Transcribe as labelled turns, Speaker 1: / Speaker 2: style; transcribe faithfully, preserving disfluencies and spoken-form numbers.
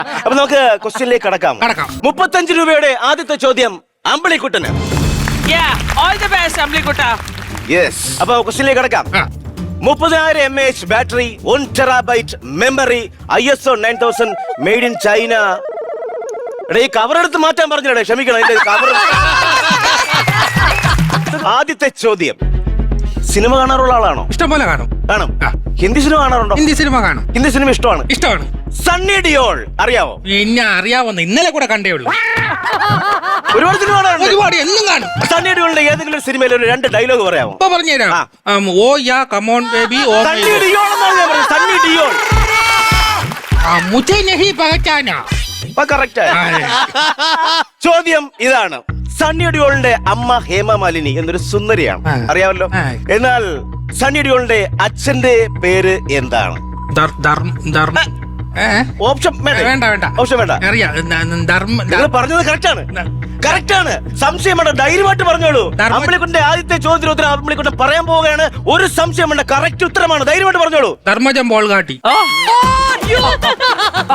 Speaker 1: അപ്പൊ നമുക്ക് ക്വസ്റ്റ്യനിലേക്ക് കടക്കാം
Speaker 2: കടക്കാം.
Speaker 1: മുപ്പത്തഞ്ച് രൂപയുടെ ആദ്യത്തെ ചോദ്യം അമ്പിളിക്കുട്ടന്.
Speaker 3: ഓൾ ദി ബെസ്റ്റ് അമ്പിളിക്കുട്ട.
Speaker 1: യെസ്, അപ്പൊ ക്വസ്റ്റ്യനിലേക്ക് കടക്കാം.
Speaker 2: ആ.
Speaker 1: മുപ്പതിനായിരം M H battery, one terabyte memory, I S O nine thousand, made in China. ഈ കവർ എടുത്ത് മാറ്റാൻ പറഞ്ഞേ, ക്ഷമിക്കണം. അതിന്റെ കവർ. ആദ്യത്തെ ചോദ്യം, സിനിമ കാണാറുള്ള ആളാണോ?
Speaker 2: ഇഷ്ടംപോലെ കാണും.
Speaker 1: കാണും.
Speaker 2: ആ.
Speaker 1: ഹിന്ദി സിനിമ കാണാറുണ്ടോ?
Speaker 2: ഹിന്ദി സിനിമ കാണും.
Speaker 1: ഹിന്ദി സിനിമ ഇഷ്ടമാണ്.
Speaker 2: ഇഷ്ടമാണ്.
Speaker 1: സണ്ണി ഡിയോൾ അറിയാവോ?
Speaker 2: പിന്നെ അറിയാവുന്ന ഇന്നലെ കൂടെ കണ്ടേ ഉള്ളൂ.
Speaker 1: ഒരുപാട് സിനിമ കാണാറുണ്ട്.
Speaker 2: ഒരുപാട് എന്നും കാണും.
Speaker 1: സണ്ണി ഡിയോളിന്റെ ഏതെങ്കിലും ഒരു സിനിമയിൽ ഒരു രണ്ട് ഡയലോഗ് പറയാമോ?
Speaker 2: ഇപ്പൊ പറഞ്ഞുതരാം.
Speaker 1: ആ.
Speaker 2: Um, oh yeah come on baby oh
Speaker 1: Sunny Deol എന്നാണ് ഞാൻ പറഞ്ഞത്. സണ്ണി ഡിയോൾ.
Speaker 2: മുझे नहीं पहचाना.
Speaker 1: അപ്പൊ correct ആയി. ചോദ്യം ഇതാണ്, സണ്ണി ഡിയോളിന്റെ അമ്മ ഹേമ മാലിനി എന്നൊരു സുന്ദരിയാണ്,
Speaker 2: ആ.
Speaker 1: അറിയാമല്ലോ.
Speaker 2: ആ.
Speaker 1: എന്നാൽ സണ്ണി ഡിയോളിന്റെ അച്ഛന്റെ പേര് എന്താണ്?
Speaker 2: ധർ- ധർമ്മ ധർമ്മ ഏ?
Speaker 1: ഓപ്ഷൻ വേണ്ടേ?
Speaker 2: വേണ്ട വേണ്ട
Speaker 1: ഓപ്ഷൻ വേണ്ട.
Speaker 2: അറിയാം. ധ- ധർമ്മ
Speaker 1: നിങ്ങൾ പറഞ്ഞത് കറക്റ്റ് ആണ്. കറക്റ്റ് ആണ്. സംശയം വേണ്ട, ധൈര്യമായിട്ട് പറഞ്ഞോളൂ.
Speaker 2: ധർമ്മ-
Speaker 1: അമ്പിളിക്കുട്ടിന്റെ ആദ്യത്തെ ചോദ്യത്തിന് ഉത്തരം അമ്പിളിക്കുട്ടൻ പറയാൻ പോവുകയാണ്. ഒരു സംശയം വേണ്ട, കറക്റ്റ് ഉത്തരമാണ്. ധൈര്യമായിട്ട് പറഞ്ഞോളൂ.
Speaker 2: ധർമ്മജം ബോൾ കാട്ടി.